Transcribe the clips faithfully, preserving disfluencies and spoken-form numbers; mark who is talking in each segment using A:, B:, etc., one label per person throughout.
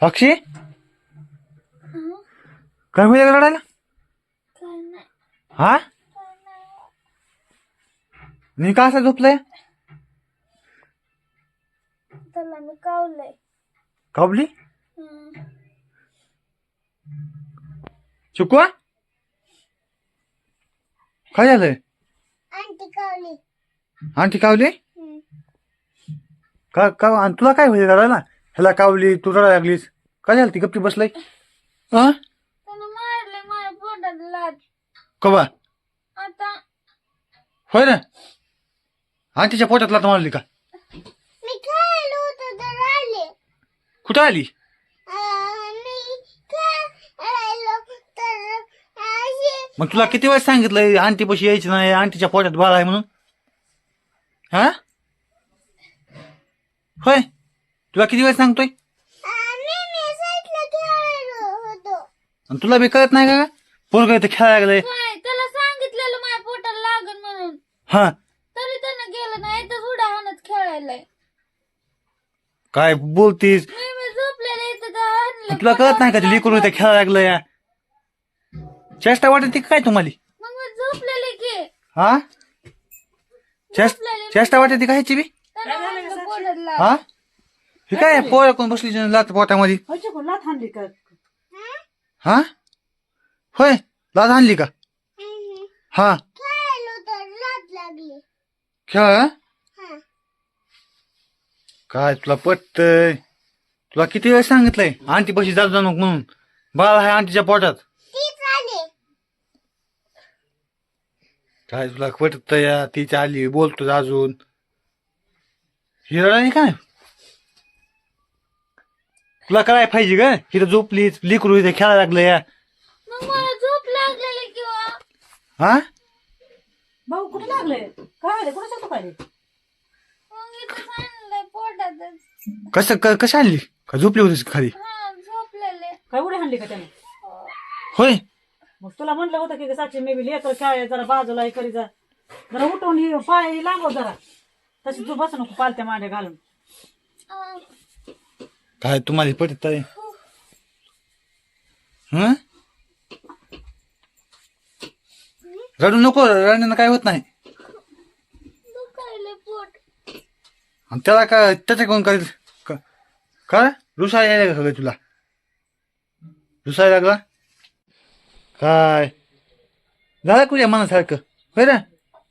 A: अक्षय काय होईल रडायला? हा मी का असं झोपलंय?
B: त्याला मी कावलंय.
A: कावली चुकवा काय झालंय?
B: आंटी कावली.
A: आंटी कावली का का आणि तुला काय होईल रडायला? ह्याला कावली तू रडायला लागलीस काय झालं? ती गप्पी बसलाय हा
B: त्यानं मारले माझ्या पोटात लाथ.
A: कवा
B: आता
A: होय ना आंटीच्या पोटात लाथ मारली का?
B: मी खेळलो होतो तर आले.
A: कुठं आली?
B: मी खेळायलो तर अशी.
A: मग तुला किती वेळ सांगितलंय आंटी पशी यायची नाही, आंटीच्या पोटात बाळ आहे म्हणून? हा होय तुला किती वेळ सांगतोय?
B: मी मी साईडला खेळायलो होतो.
A: आणि तुला बी कळत नाही का? पोरगं इथे खेळायला लागलंय.
B: काय त्याला सांगितलेलं माझ्या पोटाला लागन म्हणून,
A: हा
B: तरी त्यानं गेलं नाही. तर उड्या हाणत खेळायलाय.
A: काय बोलतीस?
B: मी मी झोपलेले इथं तर हाणलं.
A: तुला कळत नाही का ते लेकरू इथे खेळायला लागलं या? चेष्टा वाटते काय तुम्हाला?
B: मग मी झोपलेले की
A: हा चेष्ट चेष्टा वाटते का ह्याची बी?
B: त्यानं हाणलं पोटाला.
A: हा हे काय पोर कोण बसली लात पोटामध्ये?
C: लाथ हाणली का?
A: हा होय लाज आणली का? हा
B: खेळायलो तर लाथ लागली.
A: खेळ
B: हा.
A: काय तुला पटतय? तुला किती वेळ सांगितलंय आंटी पशी जात जाऊ नको म्हणून? बाळ आहे आंटीच्या पोटात.
B: तीच आली.
A: काय तुला पटत या? तिची आली बोलतो अजून हिरडा काय? तुला काय पाहिजे ग? हिथं झोपलीच लिकरू इथे खेळायला लागलं या.
B: मग मला झोप लागलेली किंवा
A: हा
C: भाऊ कुठे लागले? काय आले? कुठे शकतो पाहिजे?
B: मग इथं सांगलंय पोटातच.
A: कसं क- कशी आणली का झोपली होतीस खाली?
B: हा झोपलेले.
C: काय उडी हाणली का त्याने?
A: होय
C: मग तुला म्हणलं होतं की साक्षी मी बी लेकर काय जरा बाजूला हे करी जा, जरा उठवून ही पाय लांबव जरा, तशी तू बसू नको पालत्या मांड्या घालून.
B: अं,
A: काय तुम्हाला पटत आहे? हं? रडू नको, रडण्यानं काय होत नाही.
B: दुखायले पोट.
A: आणि त्याला काय त्याच्या कोण काय का- काय रुसाय यायला का तुला? रुसाय लागला काय? झालं तुझ्या मनासारखं होय ना?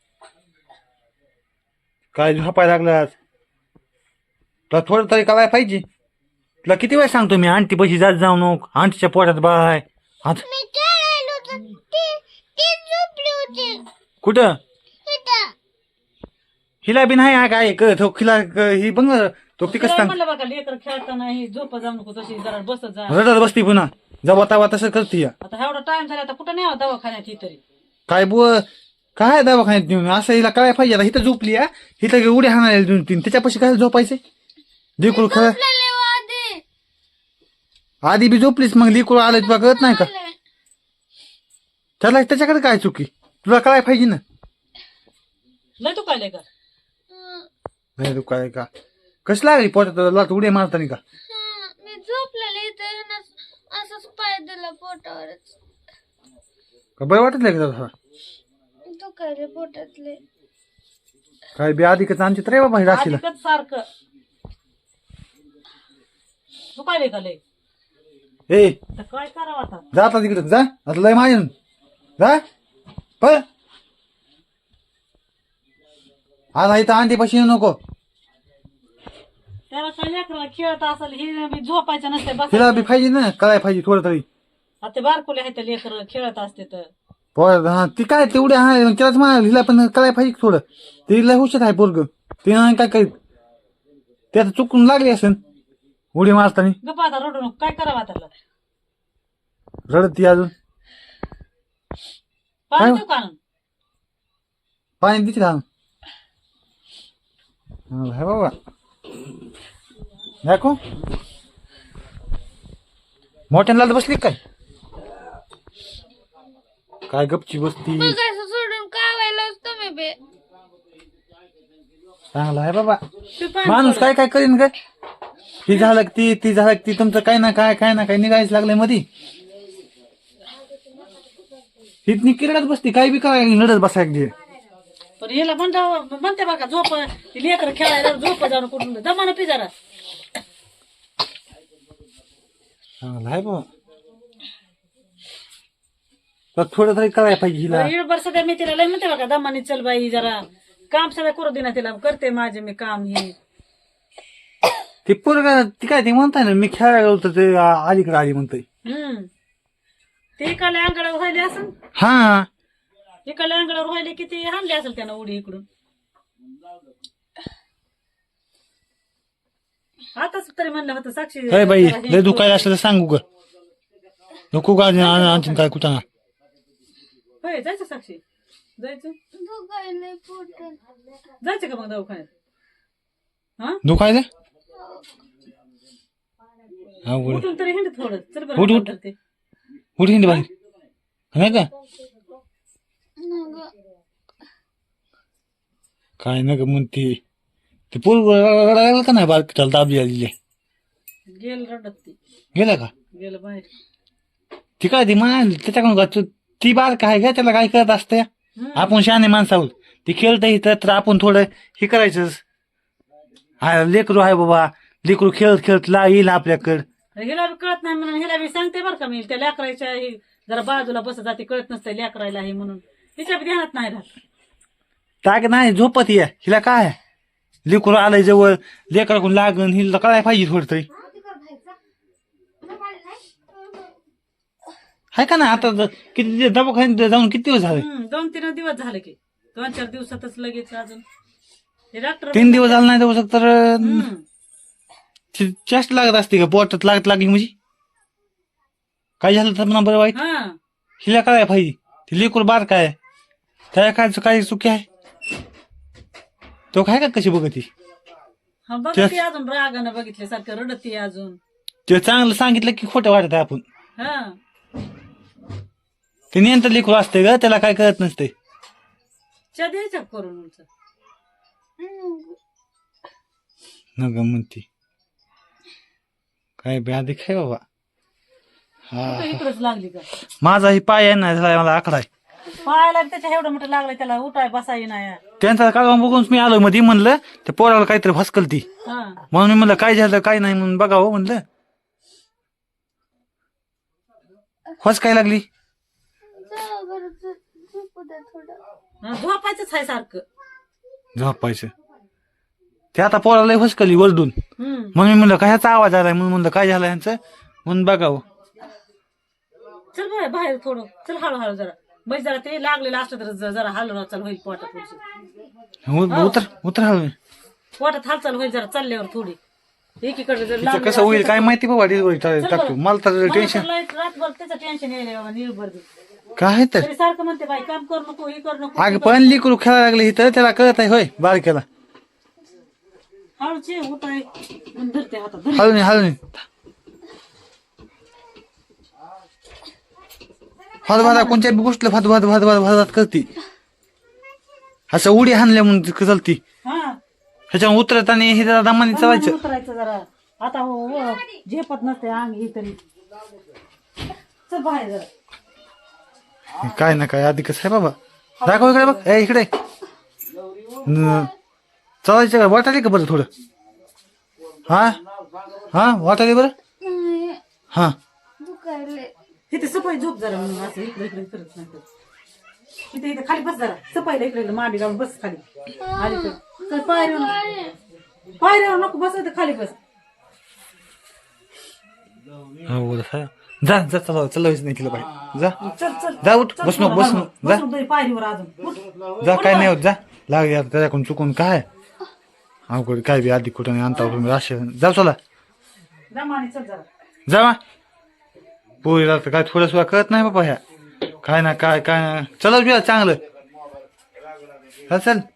A: काय झोपायला लागलास? तुला थोडं तरी करायला पाहिजे. तुला किती वेळ सांगतो मी आंटी पशी जात जाऊ नको, आंटीच्या पोटात बाळ आहे. आता
B: मी खेळायलो तर ती ती झोपली होती
A: कुठं?
B: इथं.
A: हिला बी नाही हा काय क- तो हिला क- ही बघ ना, तो ती कसं
C: तिला
A: सांग
C: म्हणलं बघा लेकर खेळताना ही झोप जाऊ नको, तशी जरा बसत जा.
A: रडत बसती पुन्हा जवा तवा तसं करते या.
C: आता एवढा टाइम झाला, आता कुठं नाही दवाखान्यात ही तरी.
A: काय बु काय दवाखान्यात नेऊन असं हिला काय पाहिजे? आता इथं झोपली या, इथं उड्या हाणायला दोन तीन, त्याच्यापाशी काय झोपायचे? लिकूळ खेळ
B: झोपलेले हो आधी.
A: आधी बी झोपलीस, मग लिकूळ आलं तुला कळत नाही का? त्याला त्याच्याकडे काय चुकी? तुला काय पाहिजे ना?
C: लय तू काय लेकर?
B: हं,
A: नाही तू काय का कशी लागली पोटात लात उड्या मारतानी का?
B: हं, मी झोपलेले इथं ह्यानं असंच पाय दिला पोटावरच.
A: का बरं वाटत नाही का तुला?
B: दुखायले पोटातले.
A: काय बी आधी का आमची तर बाबा हे राशीला
C: आधिकच सारखं तू काय लेकर लय?
A: ए
C: तर काय करावं आता?
A: जा आता तिकडे जा, आता लय माझ्या जा पळ. आता इथं आंटी पशी येऊ नको.
C: त्याला काय लेकराला खेळत असेल, हे बी झोपायचं नसते बस.
A: तिला बी पाहिजे ना, काय पाहिजे थोडं तरी.
C: आता बारकुले आहेत ते लेकर खेळत असते तर.
A: पोर हा ती काय तेवढी आहे मग त्यालाच म्हणाल हिला पण काय पाहिजे थोडं. तिला हुशार आहे पोरग, ते नाही काय करीत. ते आता चुकून लागली असेल उडी मारताना.
C: गप्प आता रडू नको, काय करावं त्याला?
A: रडत ती अजून.
C: पाणी देऊ का आणून?
A: पाणी दिसत हा हे बाबा दाखव मोठ्यानं लाल बसली काय? काय गपची बसती?
B: बघायचं सोडून कावायलाच तुम्ही बे.
A: चांगला आहे बाबा
C: तू पाणी
A: माणूस
C: सोड.
A: काय काय करीन काय ती झालं की ती ती झालं की ती तुमचं काय ना काय काय ना काय निघायच लागलंय मधी. तिथनी किरडत बसती काय बी काय लढत बसाय.
C: पण हिला म्हणता म्हणते बघा झोप लेकर खेळायला झोप जाऊन कुठून दमानं पी जरा.
A: चांगलं आहे बाबा. तर थोडं तरी करायला पाहिजे हिला.
C: इडभर सध्या मी तिला लय म्हणते बघा दमानी चल बाई जरा काम सगळं करू दे ना तिला करते माझे मी काम हे.
A: ती पोरगा ती काय ती म्हणताय ना मी खेळायला होतं ते आ- अलीकडे आली म्हणतोय.
C: हम्म ते इकडल्या अंगडावर व्हायले असेल
A: हा
C: इकडल्या अंगडावर व्हायले की ते हाणले असेल त्यानं उडी इकडून. आताच तरी म्हणलं होतं साक्षी
A: काय बाई लय दुखायला असलं तर सांगू ग. नको का आणखीन काय कुठं.
C: होय जायचं साक्षी जायचं
B: दुखायलंय पोटात.
C: जायचं का मग दवाखान्यात. हा
A: दुखायचं हा उघड
C: उठून तरी हिंड थोडं चल
A: उठ,
C: बरं
A: उठ.
C: करते.
A: उठ हिंड बाहेर नाही का काय ना ग म्हणते ते पोर रडायला का नाही बारक त्याला दाबली आलेली
C: गेल रडत ती
A: गेला का
C: गेलं बाहेर.
A: ती काय ती मान त्याच्याकडून का तू- ती बारक आहे का त्याला काय करत असते.
C: हम्म.
A: आपण शहाणे माणसं आहोत. ती खेळत इथं तर आपण थोडं हे करायचं. हा लेकरू आहे बाबा लेकरू खेळत खेळत ला येईल आपल्याकडं.
C: हिला बी कळत नाही म्हणून हिला बी सांगते बरं का मी त्या लेकरायच्या हे जरा बाजूला बसत जाते कळत नसतं लेकरायला हे म्हणून तिच्या बी ध्यानात नाही राहत.
A: ताक नाही झोपत ये हिला काय लेकरू आलंय जवळ लेकराकडून लागण हिला कळायला पाहिजे थोडं तरी. आहे का ना आता ज- किती दवाखान्यात जाऊन किती दिवस झाले.
C: हम्म, दोन तीन दिवस झाले की दोन चार दिवसातच लगेच अजून हे डॉक्टर
A: तीन दिवस झाले नाही दिवस तर
C: हम्म.
A: चेस्ट लागत असते का पोटात लागत लागली म्हणजे काय झालं तर म्हणा बरं वाईट.
C: हा
A: हिला काय पाहिजे ती लेकूर बार काय त्याला काय काय चुकी आहे तो काय का कशी बघती.
C: हा बघते अजून रागानं बघितल्यासारखं रडती अजून.
A: ते चांगलं सांगितलं की खोटं वाटत आपण.
C: हा
A: ते नियंत्र लेकरू असते ग त्याला काय कळत नसते.
C: च्या द्यायच्या करून उंच.
A: न ग म्हणते काय ब्याधी काय बाबा. हा
C: कुठं इकडंच लागली का
A: माझा ही पाय आहे ना झाला मला आकडा आहे.
C: पायाला बी त्याच्या एवढं मोठं लागलं त्याला उठाय बसाय नाही.
A: त्यांचा कागद बघून मी आलो मध्ये म्हणलं त्या पोराला काहीतरी भस्कल ती
C: हा
A: म्हणून मी म्हणलं काय झालं काय नाही म्हणून बघावं म्हणलं. फस काय लागली
B: जा बरं, झ- झोपू द्या थोडं.
C: हा, झोपायचंच आहे सारखं.
A: झोपायचं ते आता पोराला फसकली वरडून
C: हम्म
A: म्हणून मी म्हणलं कशाचा आवाज आलाय म्हणून म्हणलं काय झालं यांचं म्हणून बघावं.
C: चल बाहेर बाहेर थोडं चल हळूहळू जरा म्हणजे जरा ते लागलेलं असलं तर ज- जरा हालून चाल होईल पोटात थोडीशी.
A: उ- उतर उतर हळू.
C: पोटात हालचाल होईल जरा चालल्यावर थोडी एकीकडे जर
A: तिचं
C: लागलेलं
A: कसं होईल
C: असलं
A: काय माहिती बाबा डिलिव्हरी
C: चल
A: टाकतो
C: बरं.
A: मला तर
C: मला
A: टेन्शन
C: तर लय रातभर त्याचं टेन्शन यायलंय बाबा निर्भर बी.
A: काय आहे तर
C: तरी सारखं म्हणते बाई काम करू नको हे करू नको
A: अगं पण लिकरू खेळायला लागले इथं त्याला कळत आहे होय बारक्याला.
C: हळूचे उठाय म्हणून धरते हातात धर.
A: हळू नाही हळू नाही फात भात कोणत्या बी गोष्टीला फात भात भात भात भात करते. असं उडी हाणल्या म्हणून चलती
C: हा
A: ह्याच्यावर उतरत आणि हे जरा दमाने चालायचं.
C: उतरायचं जरा आता हो हो, झेपत नसते अंग ही तरी. चल बाहेर जरा
A: काय ना काय आधी कसं आहे बाबा दाखव इकडे बघ ए इकडे न- चालायचं का वाटायला का बरं थोडं. हा हा वाटायला बरं
B: नाही,
A: हा
B: दुखायलंय.
C: इथे सफाई झोप जरा म्हणून असं इकडे इकडे करत नाही. इथे इथे खाली बस जरा सफाईला इकडे इकडे मांडी घालून बस खाली आली तर चल पायऱ्यावर पायऱ्यावर नको बस इथं खाली बस.
A: हा बोला साहेब. जा जा चला चलावीच नाही केलं पाहिजे जा
C: चल चल
A: जा उठ
C: चल
A: बस नको बस नको जा
C: बसून तरी पायरीवर अजून उठ.
A: जा काय नाही होत जा लाग यार त्याच्याकडून चुकून काय अवघड काय बी आधी कुठं नाही आणता तुम्ही राशन जाऊ चला
C: दमाने चल जरा
A: जा मा पोरीला तर काय थोडं सुद्धा कळत नाही बाबा ह्या काय ना काय काय ना चला बिया चांगलं हा चल